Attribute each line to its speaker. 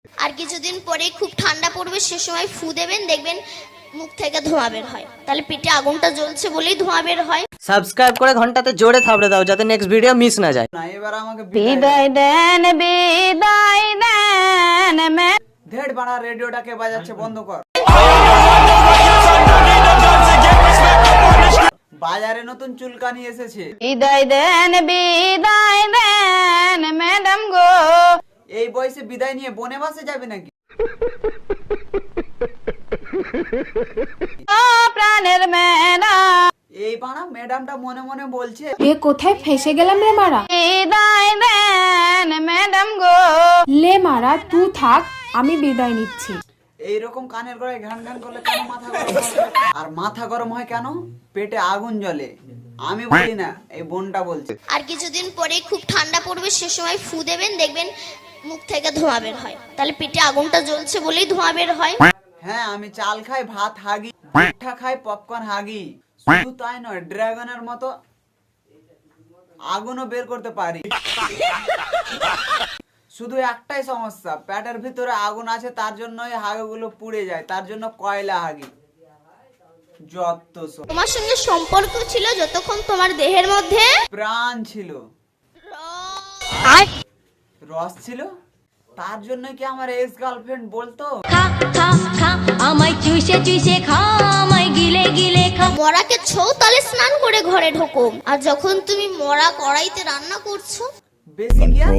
Speaker 1: আর কিছুদিন পরে খুব ঠান্ডা পড়বে, সে সময় ফু দেবেন, দেখবেন মুখ থেকে ধোঁয়া বের হয়। তাহলে পেটে আগুনটা জ্বলছে বলেই ধোঁয়া বের হয়।
Speaker 2: সাবস্ক্রাইব করে ঘন্টাতে জোরে থাবড়ে দাও যাতে নেক্সট ভিডিও মিস না যায়।
Speaker 3: না এবার আমাকে
Speaker 4: বিদায় দেন বিদায় দেন
Speaker 3: ধেড় বাড়া, রেডিওটাকে বাজাচ্ছে বন্ধ কর। বাজারে নতুন চুলকানি এসেছে।
Speaker 4: বিদায় দেন ম্যাডাম গো।
Speaker 3: এই বয়সে বিদায় নিয়ে বনে বাসে যাবে নাকি?
Speaker 4: ও প্রাণের ম্যাডাম,
Speaker 3: এই বাড়া ম্যাডামটা মনে মনে বলছে,
Speaker 5: এ কোথায় ফেসে গেলাম রে মারা।
Speaker 4: বিদায় দেন ম্যাডাম গো।
Speaker 5: লে মারা তুই থাক, আমি বিদায় নিচ্ছি।
Speaker 3: এইরকম কানের গড়ায় ঘ্যান ঘ্যান করলে কেন মাথা গরম হয়? আর মাথা গরম হয় কেন? পেটে আগুন জ্বলে। আমি বলি না, এই বোনটা বলছে।
Speaker 1: আর কিছুদিন পরে খুব ঠান্ডা পড়বে, সে সময় ফু দেবেন, দেখবেন মুখ থেকে ধোঁয়া বের হয়। তাহলে পেটে আগুনটা জ্বলছে বলেই ধোঁয়া বের হয়।
Speaker 3: হ্যাঁ, আমি চাল খাই, ভাত হাগি, পিঠা খাই, পপকর্ন হাগি। শুধু তাই নয়, ড্রাগনের মতো আগুনও বের করতে পারি। শুধু একটাই সমস্যা, পেটের ভিতরে আগুন আছে, তার জন্যই হাগিগুলো পুড়ে যায়, তার জন্য কয়লা হাগি। যত সব
Speaker 1: তোমার সঙ্গে সম্পর্ক ছিল যতক্ষণ তোমার দেহের মধ্যে
Speaker 3: প্রাণ ছিল, রস ছিল, তার জন্য কি আমার এক্স গার্লফ্রেন্ড বলতো
Speaker 6: খা খা খা আমায় চুষে চুষে খা, আমায় গিলে গিলে খা।
Speaker 1: মরাকে ছৌ তালে স্নান করে ঘরে ঢোকো, আর যখন তুমি মরা কড়াইতে রান্না করছো
Speaker 3: বেশি গিয়া